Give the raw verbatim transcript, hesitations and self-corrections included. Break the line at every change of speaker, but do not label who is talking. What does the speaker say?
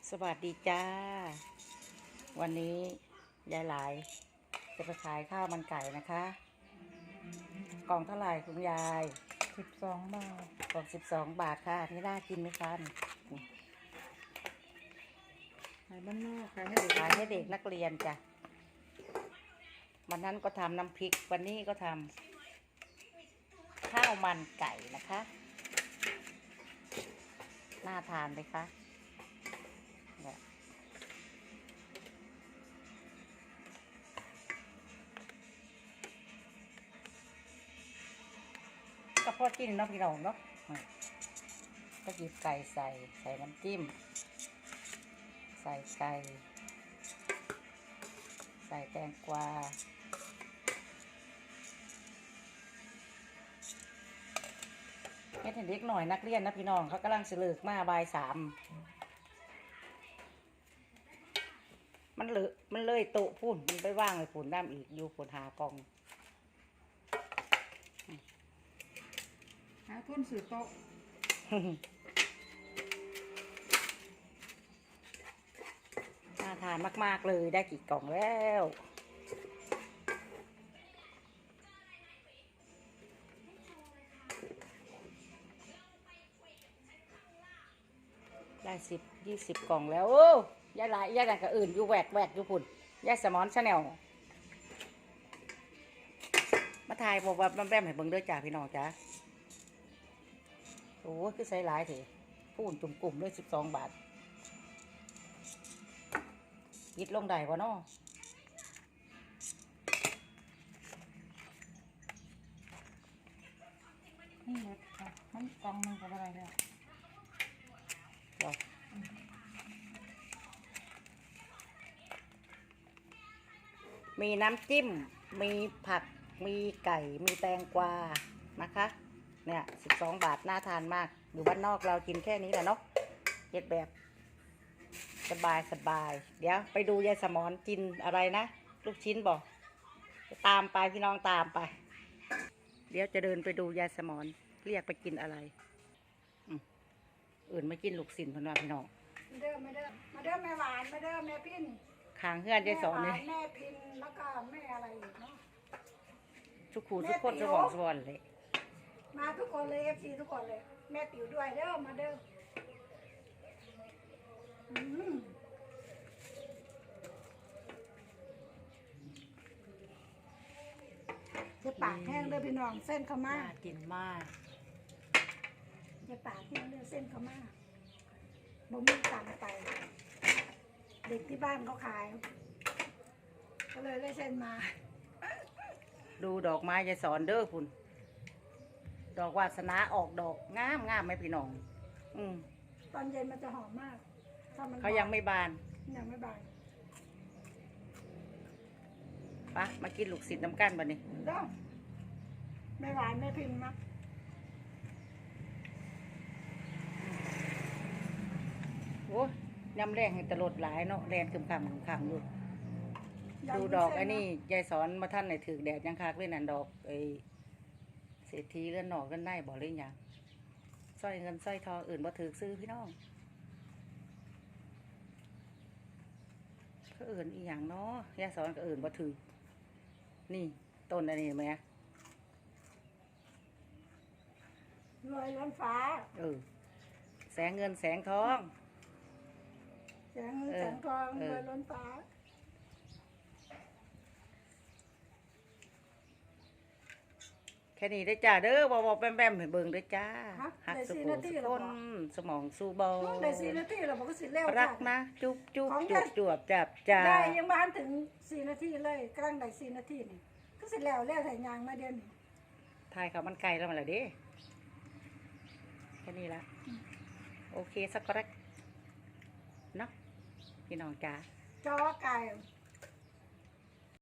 สวัสดีจ้าวันนี้ยายหลายจะไปขายข้าวมันไก่นะคะกล่องเท่าไหร่คุณยาย
สิบสองบาท
กล่องสิบสองบาทค่ะนี่น่ากินไหมคะ
ขายบ้านนอกขายให้เด็ก
ขายให้เด็กนักเรียนจ้ะวันนั้นก็ทำน้ำพริกวันนี้ก็ทำข้าวมันไก่นะคะน่าทานไหมคะก็พอกินเนาะพี่น้องเนาะก็หยิบไก่ใส่ใส่น้ำจิ้มใส่ไก่ใส่แตงกวาเฮ็ดให้เด็กหน่อยนักเรียนนะพี่น้องเขากำลังเสลิกมาบ่ายสามมันเลอะมันเลยโต๊ะพุ่นมันไปว่างเลยพุ่นน้ำอีกอยู่พุ่นหากอง
หาทุนสื่อโต๊ะ
น่าทานมากๆเลยได้กี่กล่องแล้วได้สิบยี่สิบกล่องแล้วโอ้ยายหลายยายหลายกับอื่นอยู่แหวกแหวกอยู่พุ่นยายสมอนชาแนลมาถ่ายบอกว่าแม่ให้เบิ่งด้วยจ้าพี่น้องจ้าโอ้คือใส่หลายเถอะพูนจุ่มกลุ่มด้วยสิบสองบาทยิดลงได้วะเนาะ
นี่เลยค่ะมันกล่องหนึงกับอะไรเนี่ย
มีน้ำจิ้มมีผักมีไก่มีแตงกวานะคะเนี่ยสิบสองบาทน่าทานมากอยู่บ้านนอกเรากินแค่นี้แหละเนาะเย็ดแบบสบายสบายเดี๋ยวไปดูยายสมอนกินอะไรนะลูกชิ้นบอกตามไปพี่น้องตามไปเดี๋ยวจะเดินไปดูยายสมอนเรียกไปกินอะไรอื่นไม่กินลูกศิลพนว่าพี่น้อง
มาเด้อมาเด้อมาเด้อแม่หวานมาเด้อแม่พิน
ขางเฮือนยายสอนเลย
แม่พินแล้วก็แม่อะไรอีกเนาะ
ทุกขูทุกคนสว่างสว่างเลย
มาทุกคนเลยเอฟซีทุกคนเลยแม่ติ๋วด้วยเด้อมาเด้อจะปากแห้งเลยพี่น้องเส้นข้าวม่า
กินมาก
จะปากแห้งเลยเส้นข้าวม่าบ่มีตังไปเด็กที่บ้านเขาขายก็เลยได้เส้นมา
ดูดอกไม้ยายสอนเด้อคุณดอกวาสนาออกดอกงามงามไหมพี่น้องอืม
ตอนเย็นมันจะหอมมากถ้ามัน
เขายังไม่บาน
ยังไม่บาน
ปะมากินลูกศิษย์น้ำกันบัดนี้
เด้อไม่หวานไม่พิมพ์มั้ง
โอ้ยำแรงให้ตลดหลายเนาะแรงคึมคำคึมคำอยู่ดูดอกไอ้นี่ยายสอนมาท่านไหนถือแดดยังคักเลยนั่นดอกไอ้เศรษฐีเลื่อนหนอกกันได้บอกเลยยังสร้อยเงินสร้อยทองอื่นบ่ถือซื้อพี่น้องก็อื่นอีกอย่างเนาะยายสอนก็อื่นบ่ถือนี่ต้นอันนี้ไหม
รวยล้นฟ้า
เออแสงเงินแสงทอง
แสงเงินแสงทองรวยล้นฟ้า
แค่นี้ได้จ้าเด้อบอกบอกแปมแปมให้เบิ่งได้จ้าหักสุขสุขคนสมองสู้เบา
ได้สี่นาทีเราบอกก็สิเร็ว
รักนะจุ๊บจุ๊บจุ๊บจวบจับจ้า
ได้ยังบ้านถึงสี่นาทีเลยกลางได้สี่นาทีนี่ก็สิแล้วแล้วถ่ายยางมาเดือนนี้
ถ่ายเขามันไกลแล้วมาแล้วเด้แค่นี้ละโอเคสักกระเนาะพี่น้องจ้า
จอไก่